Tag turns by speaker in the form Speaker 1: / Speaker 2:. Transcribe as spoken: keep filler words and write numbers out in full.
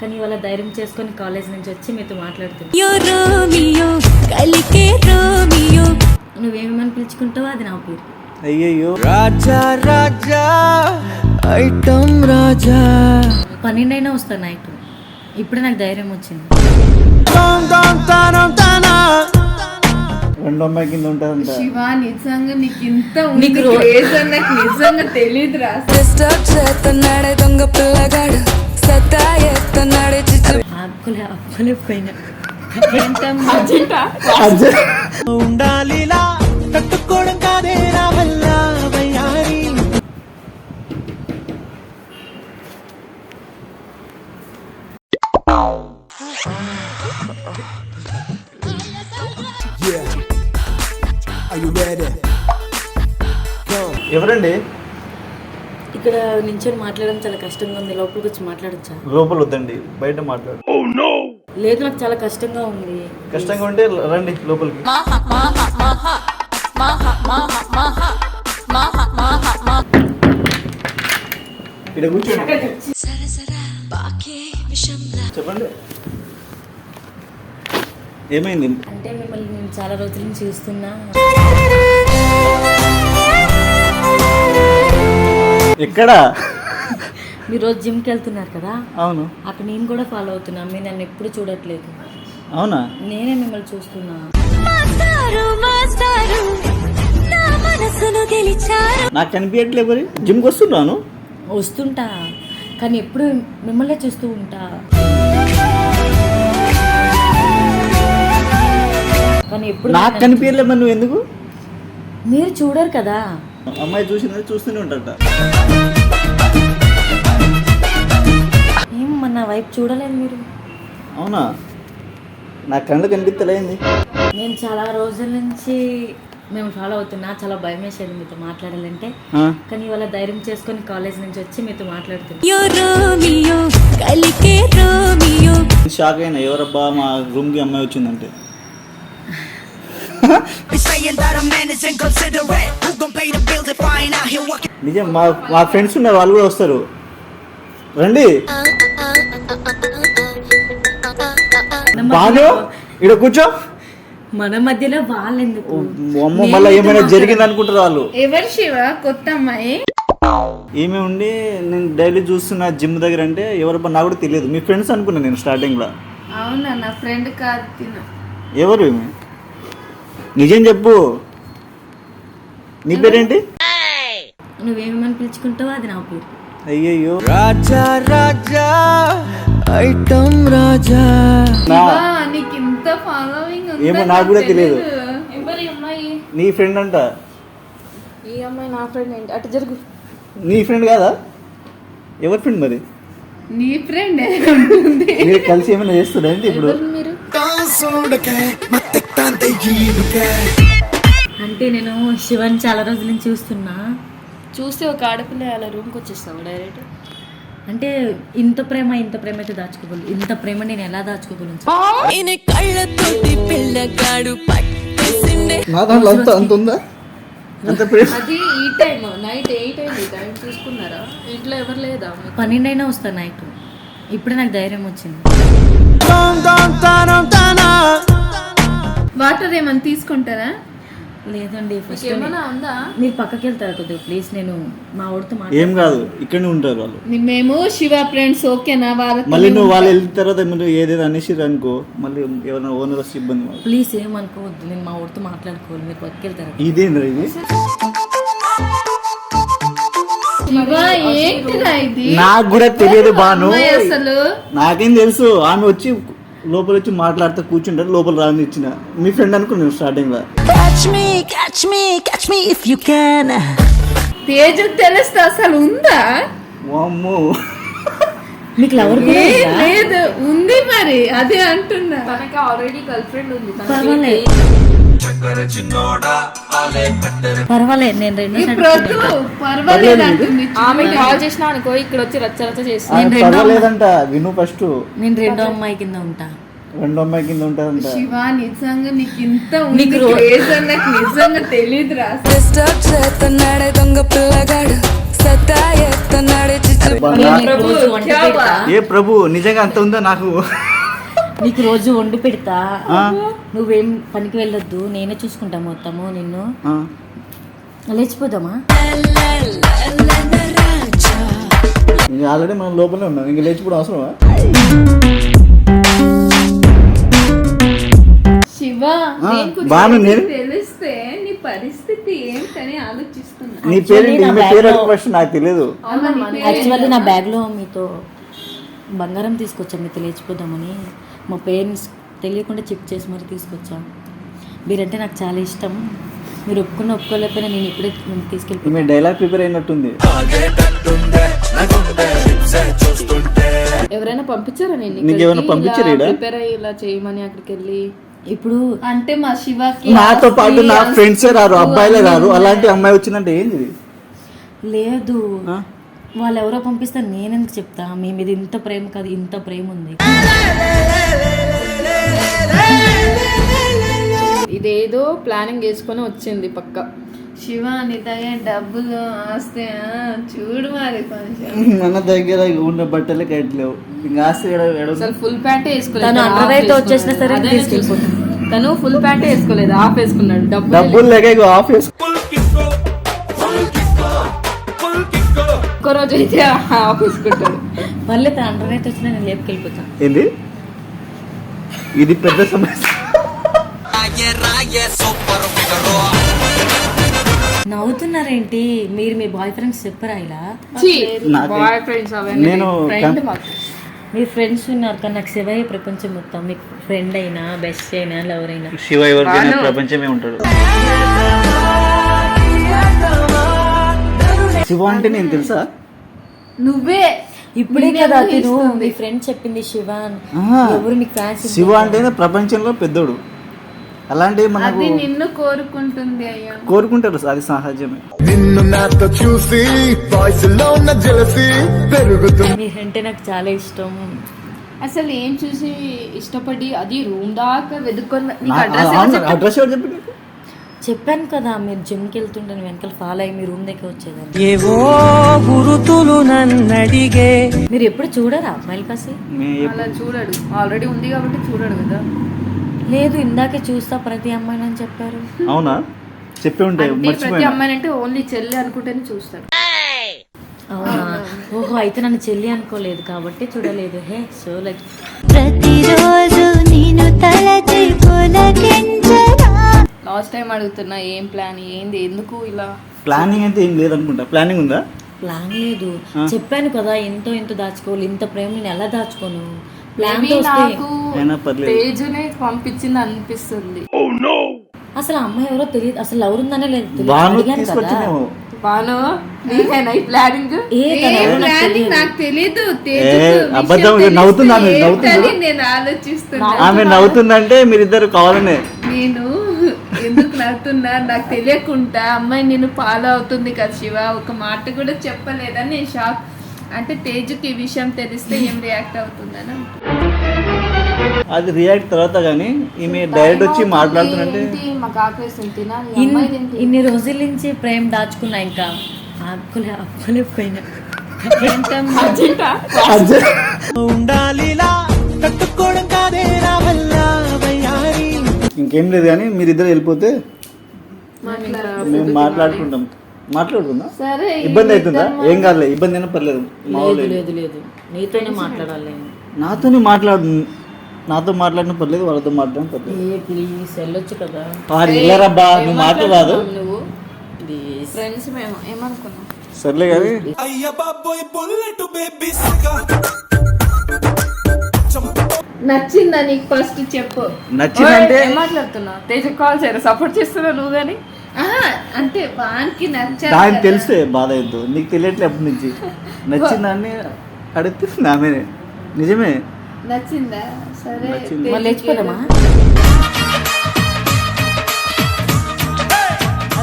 Speaker 1: కానీ ఇవాళ ధైర్యం చేసుకొని కాలేజ్ నుంచి వచ్చి మీతో మాట్లాడుతున్నా. నువ్వేమని పిలుచుకుంటావో అది నా పేరు.
Speaker 2: అయ్యయ్యో రాజా రాజా ఐటమ్ రాజా.
Speaker 1: పన్నెండు అయినా వస్తాను నైట్. ఇప్పుడే నాకు ధైర్యం వచ్చింది.
Speaker 2: రెండో అమ్మాయి కింద ఉంటుంది
Speaker 3: శివ. నిజంగా నీకు ఇంత నాకు నిజంగా తెలియదు రా.
Speaker 4: దొంగ పిల్లగాడు సత్తా ఎత్తన్నాడు
Speaker 1: ఆపులే ఆపులే పోయినా
Speaker 2: ఉండాలిలా తట్టుకోవడం కాదే నా వల్ల వయ్యారి. ఎవరండి?
Speaker 1: ఇక్కడ నించొని మాట్లాడడం చాలా కష్టంగా ఉంది. లోపలికి వచ్చి మాట్లాడచ్చా?
Speaker 2: లోపల వద్దండి, బయట మాట్లాడు.
Speaker 1: లేదు, నాకు చాలా కష్టంగా ఉంది.
Speaker 2: కష్టంగా ఉంటే రండి లోపలికి. ఇక్కడ కూర్చోండి. చెప్పండి, ఏమైంది?
Speaker 1: అంటే మిమ్మల్ని నేను చాలా రోజుల నుంచి చూస్తున్నా.
Speaker 2: ఎక్కడ?
Speaker 1: మీరు రోజు జిమ్కి వెళ్తున్నారు కదా?
Speaker 2: అవును.
Speaker 1: అక్కడ నేను కూడా ఫాలో అవుతున్నా. మీరు నన్ను ఎప్పుడు చూడట్లేదు.
Speaker 2: అవునా?
Speaker 1: నేనే మిమ్మల్ని చూస్తున్నా.
Speaker 2: నాకు కనిపించట్లేదు. మరి జిమ్కి వస్తున్నాను.
Speaker 1: వస్తుంటా, కానీ ఎప్పుడు మిమ్మల్నే చూస్తూ ఉంటా. కానీ ఎప్పుడు
Speaker 2: నాకు కనిపించలేదు. మరి నువ్వు ఎందుకు?
Speaker 1: మీరు చూడరు కదా.
Speaker 2: అమ్మాయి చూసింది చూస్తూనే ఉంటాట.
Speaker 1: ఏం మన వైపు చూడలేదు మీరు?
Speaker 2: అవునా? నా కళ్ళు కనిపించలేంది.
Speaker 1: నేను చాలా రోజుల నుంచి మేము ఫాలో అవుతున్నా. చాలా భయం వేసేది మీతో మాట్లాడాలంటే, కానీ ఇవాళ ధైర్యం చేసుకొని కాలేజ్ నుంచి వచ్చి మీతో మాట్లాడుతున్నా.
Speaker 2: షాక్ అయినా, ఎవరబ్బా మా రూమ్ కి అమ్మాయి వచ్చిందంటే. నిజం, మా మా ఫ్రెండ్స్ ఉన్నారు, వాళ్ళు కూడా వస్తారు. రండి. బాను ఇక్కడ కూర్చో.
Speaker 1: మన మధ్యలో వాళ్ళు ఎందుకు?
Speaker 2: అమ్మ, మళ్ళీ ఏమైనా జరిగింది అనుకుంటారు వాళ్ళు.
Speaker 3: ఎవరు శివ? కొత్త అమ్మాయి
Speaker 2: ఏమే ఉండి నేను డైలీ చూస్తున్నా జిమ్ దగ్గర. అంటే ఎవరబ్బా నాకు కూడా తెలియదు. మీ ఫ్రెండ్స్ అనుకున్నా నేను స్టార్టింగ్ లో.
Speaker 3: అవునా? నా ఫ్రెండ్ కాదు. తిన
Speaker 2: ఎవరు? నిజం చెప్పు, నీ పేరేంటి?
Speaker 1: నువ్వేమని పిలుచుకుంటావో అది నా పేరు.
Speaker 2: అయ్యయ్యో రాజా రాజా ఐటమ్ రాజా.
Speaker 3: నీకు ఇంత ఫాలోయింగ్
Speaker 2: ఏమో నాకు కూడా తెలియదు.
Speaker 3: ఎవరి అమ్మాయి?
Speaker 2: నీ ఫ్రెండ్ అంట.
Speaker 3: ఈ అమ్మాయి నా ఫ్రెండ్ ఏంటి? అటు జరుగు.
Speaker 2: నీ ఫ్రెండ్ కాదా? ఎవరి ఫ్రెండ్ మరి?
Speaker 3: నీ ఫ్రెండ్.
Speaker 2: మీరు కలిసి ఏమైనా చేస్తున్నా ఏంటి ఇప్పుడు?
Speaker 3: మీరు
Speaker 1: అంటే నేను శివన్ చాలా రోజుల నుంచి చూస్తున్నా.
Speaker 3: చూస్తే ఒక ఆడపిల్ల అలా రూమ్కి వచ్చేస్తావు డైరెక్ట్.
Speaker 1: అంటే ఇంత ప్రేమ ఇంత ప్రేమ అయితే దాచుకోగలను. ఇంత ప్రేమ నేను ఎలా దాచుకోగలను?
Speaker 3: అది ఈ టైం నైట్ ఎయిట్ అయింది. టైం చూసుకున్నారా? ఇంట్లో ఎవరు లేదా?
Speaker 1: పన్నెండు అయినా వస్తాను నైట్. ఇప్పుడే నాకు ధైర్యం వచ్చింది.
Speaker 3: వాటర్ ఏమన్నా తీసుకుంటారా?
Speaker 1: లేదండి, ఫస్ట్
Speaker 3: ఏమన్నా ఉందా?
Speaker 1: మీరు పక్కకి వెళ్తారా కొద్దిగా ప్లీజ్? నేను మా ఊరితో
Speaker 2: ఏం కాదు, ఇక్కడనే ఉంటారు వాళ్ళు.
Speaker 3: మేము శివ ఫ్రెండ్స్. ఓకేనా? వాళ్ళ
Speaker 2: మళ్ళీ నువ్వు వాళ్ళు వెళ్ళిన తర్వాత మీరు ఏదైనా అనేసి అనుకో, మళ్ళీ ఎవరైనా ఓనర్ వస్తే ఇబ్బంది.
Speaker 1: ప్లీజ్ ఏమనుకోవద్దు, నేను మా ఊరితో మాట్లాడుకోవాలి. మీరు పక్కకి వెళ్తారా?
Speaker 2: ఇదేంద్ర ఇది? నాకు కూడా తెలియదు బాను.
Speaker 3: అసలు
Speaker 2: నాకేం తెలుసు. ఆమె వచ్చి లోపల వచ్చి మాట్లాడితే కూర్చుంటారు. లోపల రాని ఇచ్చిన మీ ఫ్రెండ్ అనుకున్నాను స్టార్టింగ్ లో.
Speaker 3: తేజు తెలుస్తా అసలు ఉందా?
Speaker 2: వామ్మో,
Speaker 1: మీకు లవర్
Speaker 3: లేదు? ఉంది మరి, అదే అంటున్నా. తనకి ఆల్రెడీ గర్ల్ ఫ్రెండ్ ఉంది.
Speaker 1: పర్వాలేదు, నేను రెండు
Speaker 3: పర్వాలేదు అంటుంది.
Speaker 5: ఆమె కాల్ చేసినా అనుకో, ఇక్కడ వచ్చి రచ్చ రచ్చ చేసి
Speaker 2: పర్వాలేదంట. విను ఫస్ట్.
Speaker 1: నేను రెండో అమ్మాయి కింద ఉంటా.
Speaker 2: రెండో అమ్మాయి కింద ఉంటుందంట.
Speaker 3: శివ నిజంగా నీకు ఇంత నాకు నిజంగా తెలియదు రా.
Speaker 4: దొంగ పిల్లగాడు సత్తా ఎత్తున్నాడే చిచ్చు
Speaker 1: నీకు రోజు వంట పెడతా
Speaker 2: ఏ ప్రభు నిజంగా అంత ఉందా నాకు?
Speaker 1: నీకు రోజు వండి పెడతా
Speaker 2: ఆ?
Speaker 1: నువ్వేం పనికి వెళ్ళొద్దు, నేనే చూసుకుంటా మొత్తము నిన్ను.
Speaker 2: ఆ.
Speaker 1: లేచిపోదామా?
Speaker 2: ఇంకా ఆల్రెడీ మనం లోపలే ఉన్నాం, ఇంకా లేచిపోవడం అవసరమా?
Speaker 3: శివ
Speaker 2: ఆ,
Speaker 3: నేను
Speaker 2: బాను నేను
Speaker 3: తెలిస్తే నీ పరిస్థితి ఏంటని ఆలోచిస్తున్నా.
Speaker 2: నీ పేరు
Speaker 1: Actually, నా
Speaker 2: మీ పేరు
Speaker 1: bag లో-
Speaker 2: ఫస్ట్ నాకు తెలియదు.
Speaker 1: యాక్చువల్లీ నా బ్యాగ్లో మీతో బంగారం తీసుకొచ్చా, మీతో లేచిపోదామని. మా పేరెంట్స్ తెలియకుండా చెక్ చేసి మరి తీసుకొచ్చా. మీరంటే నాకు చాలా ఇష్టం. మీరు ఒప్పుకున్న ఒప్పుకోలేకపోయినా నేను ఇప్పుడే తీసుకెళ్ళి
Speaker 2: ఈమె డైలాగ్ ప్రిపేర్ అయినట్టుంది.
Speaker 5: ఎవరైనా పంపించారా నేను
Speaker 2: నీకేమైనా పంపించారా ఈడ?
Speaker 5: ప్రిపేర్ అయ్యి ఇలా చేయమని అక్కడికి వెళ్ళి?
Speaker 1: ఇప్పుడు
Speaker 3: అంటే మా శివకి
Speaker 2: నాతో పాటు నా
Speaker 3: ఆస్తి,
Speaker 2: ఫ్రెండ్సే రారు,
Speaker 3: అస్తి
Speaker 2: అబ్బాయిలే
Speaker 3: అన్నీ
Speaker 2: రారు.
Speaker 3: ఉన్నాయి.
Speaker 2: అలాంటి అమ్మాయి వచ్చిందంటే ఏంది ఇది?
Speaker 1: లేదు,
Speaker 2: ఆ?
Speaker 1: వాళ్ళు ఎవరో పంపిస్తే నేనెందుకు చెప్తా? మీ మీద ఇంత ప్రేమ కాదు, ఇంత ప్రేమ ఉంది.
Speaker 5: ఇదేదో ప్లానింగ్ చేసుకొని వచ్చింది పక్క.
Speaker 3: శివ నీ దగ్గర డబ్బులు ఆస్తే చూడు మరి కొంచెం.
Speaker 2: మన దగ్గర ఉన్న బట్టలే కట్టలేవు, ఇంకా ఆస్తి ఎడ- ఎడ-
Speaker 5: అసలు ఫుల్ ప్యాంటే వేసుకోలేదు.
Speaker 1: తను
Speaker 5: half
Speaker 1: underwear తో వచ్చేసినా
Speaker 5: వేసుకున్నాడు.
Speaker 1: సరే
Speaker 5: అదే
Speaker 1: తీసుకెళ్ళిపోతాను.
Speaker 5: చూస్తున్నా. తను ఫుల్ ప్యాంటే వేసుకోలేదు, హాఫ్ వేసుకున్నాడు. డబ్బులు
Speaker 2: డబ్బులు లేక ఇగో ఆఫ్ వేసుకో.
Speaker 5: ఒక్క రోజు అయితే హాఫ్ వేసుకుంటాడు.
Speaker 1: మళ్ళీ తన అండర్ అయితే వచ్చినా నేను లేపుకెళ్ళిపోతాను.
Speaker 2: ఏంది ఇది పెద్ద సమస్య.
Speaker 1: నవ్వుతున్నారేంటి మీరు? మీ బాయ్ ఫ్రెండ్స్ చెప్పరా ఇలా?
Speaker 2: నాకు-
Speaker 5: బాయ్ ఫ్రెండ్స్ అవన్నీ
Speaker 2: నేను
Speaker 5: ఫ్రెండ్
Speaker 2: కం-
Speaker 5: మాకు.
Speaker 1: మీ ఫ్రెండ్స్ ఉన్నారు కానీ నాకు శివయ్య ప్రపంచం మొత్తం. మీకు ఫ్రెండ్ అయినా బెస్ట్ అయినా లవర్ అయినా
Speaker 2: శివ ఎవరికైనా ప్రపంచమే ఉంటాడు. శివ అంటే నేను తెలుసా?
Speaker 3: నువ్వే
Speaker 1: ఇప్పుడే కదా తిను మీ ఫ్రెండ్ చెప్పింది శివ అని.
Speaker 2: ఆహా.
Speaker 1: ఎవరు మీకు ఫ్యాన్స్?
Speaker 2: శివ అంటేనే ప్రపంచంలో పెద్దోడు. అలాంటివి మనకు
Speaker 3: అది నిన్ను కోరుకుంటుంది అయ్యా.
Speaker 2: కోరుకుంటారు, అది సహజమే.
Speaker 6: నిన్ను నాతో చూసి వాయిస్ లో ఉన్న జలసి పెరుగుతుంది.
Speaker 1: మీరంటే నాకు చాలా ఇష్టం.
Speaker 5: అసలు ఏం చూసి ఇష్టపడి అది రూమ్ దాకా వెతుక్కొని నీకు
Speaker 2: నా-
Speaker 5: అడ్రస్
Speaker 2: అవును, అడ్రస్ ఎవరు చెప్పి నీకు?
Speaker 1: చెప్పాను కదా మీరు జిమ్కి వెళ్తుంటే వెనకాల ఫాలో అయ్యి మీ రూమ్ దగ్గర వచ్చేదాన్ని.
Speaker 7: ఏవో గురుతులు నన్నడిగే
Speaker 1: మీరు ఎప్పుడు చూడరా అమ్మాయిలు కాసి?
Speaker 2: మీ-
Speaker 5: అలా చూడడు, ఆల్రెడీ ఉంది కాబట్టి చూడడు కదా.
Speaker 1: లేదు, ఇందాకే చూస్తా ప్రతి అమ్మాయిని అని చెప్పారు.
Speaker 2: అవునా? చెప్పి ఉంటే
Speaker 5: అంటే ప్రతి
Speaker 2: మర్చిపోయినా.
Speaker 5: అమ్మాయి అంటే ఓన్లీ చెల్లి అనుకుంటేనే చూస్తాడు.
Speaker 1: అవునా? ఓహో, అయితే నన్ను చెల్లి అనుకోలేదు కాబట్టి చూడలేదు. హే సో లైక్
Speaker 8: ప్రతిరోజు నేను తలచి పులకించగా
Speaker 5: లాస్ట్ టైం అడుగుతున్నా ఏం ప్లాన్ ఏంది, ఎందుకు ఇలా?
Speaker 2: ప్లానింగ్ అయితే ఏం లేదనుకుంటా. ప్లానింగ్ ఉందా?
Speaker 1: ప్లాన్ లేదు. చెప్పాను కదా ఎంతో ఎంతో దాచుకోవాలి. ఇంత ప్రేమ నేను ఎలా దాచుకోను? ప్లాన్
Speaker 5: Maybe నాకు
Speaker 2: అయినా పర్లేదు.
Speaker 5: పేజునే పంపించింది అనిపిస్తుంది.
Speaker 1: అసలు ఆ అమ్మాయి ఎవరో తెలియదు, అసలు ఎవరుందనే లేదు తెలియదు.
Speaker 2: బాను
Speaker 1: అడిగాను కదా.
Speaker 2: తీసుకొచ్చినేమో.
Speaker 5: బాను నీకేనా ఈ ప్లానింగ్?
Speaker 1: ఏ తను ఎవరో నాకు
Speaker 3: ప్లానింగ్
Speaker 1: తెలియదు.
Speaker 3: నాకు తెలీదు.
Speaker 2: ఏ,
Speaker 3: తేజుకు విషయం
Speaker 2: అబద్ధం,
Speaker 3: తెలిస్తే
Speaker 2: నవ్వుతున్నాను,
Speaker 3: ఏంటని
Speaker 2: నవ్వుతున్నా.
Speaker 3: నేను ఆలోచిస్తున్నా.
Speaker 2: ఆమె నవ్వుతుందంటే మీరిద్దరు కావాలనే.
Speaker 3: నేను ఎందుకు నవ్వుతున్నా నాకు తెలియకుండా అమ్మాయి నేను ఫాలో అవుతుంది కదా శివ, ఒక మాట కూడా చెప్పలేదని నేను షాక్. అంటే తేజుకి ఈ విషయం తెలిస్తే ఏం రియాక్ట్ అవుతుందని.
Speaker 2: అది రియాక్ట్ తర్వాత కానీ ఈమె డైరెక్ట్ వచ్చి మాట్లాడుతుందంటే
Speaker 5: ఏంటి, మాకు ఆకలిస్తుంది తినాలి.
Speaker 1: ఇన్-
Speaker 5: అమ్మాయిది ఏంటి?
Speaker 1: ఇన్ని రోజుల నుంచి ప్రేమ దాచుకున్నా, ఇంకా ఆపుకోలే ఆపుకోలేకపోయినా.
Speaker 7: ఉండాలిలా తట్టుకోవడం కాదే నా వల్ల వయ్యారి.
Speaker 2: ఇంకేం లేదు కానీ మీరిద్దరు వెళ్ళిపోతే మేము మాట్లాడుకుంటాం. మాట్లాడుకుందాం.
Speaker 3: సరే
Speaker 2: ఇబ్బంది అవుతుందా? ఏం కాదులే, ఇబ్బంది అయినా పర్లేదు.
Speaker 1: లేదు
Speaker 2: మామూలు
Speaker 1: లేదు లేదు, నీతోనే మాట్లాడాలి నేను.
Speaker 2: నాతోనే మాట్లాడు, నాతో మాట్లాడిన పర్లేదు, వాళ్ళతో మాట్లాడిన పర్లేదు.
Speaker 1: ఏ ప్లీజ్ వెళ్ళొచ్చు కదా.
Speaker 2: వాడు వెళ్ళరబ్బా, నువ్వు మాట్లాడరాదు.
Speaker 5: నువ్వు
Speaker 1: ప్లీజ్
Speaker 5: ఫ్రెండ్స్ మేము ఏమనుకున్నాం?
Speaker 2: సర్లే కానీ
Speaker 3: నచ్చిందా నీకు ఫస్ట్ చెప్పు.
Speaker 2: నచ్చిందంటే
Speaker 5: ఏం మాట్లాడుతున్నా? తేజ కాల్ చేయరా, సపోర్ట్ చేస్తున్నా నువ్వు కానీ.
Speaker 3: ఆహా, అంటే వానికి నచ్చాలి
Speaker 2: దానికి
Speaker 3: కదా.
Speaker 2: తెలిస్తే బాధ అవుతుంది. నీకు తెలియట్లే అప్పటి నుంచి. నచ్చిందాన్ని అడిగితే ఆమె నిజమే
Speaker 3: నచ్చిందా? సరే
Speaker 2: నచ్చింది.
Speaker 1: మళ్ళీ లేచిపోదామా?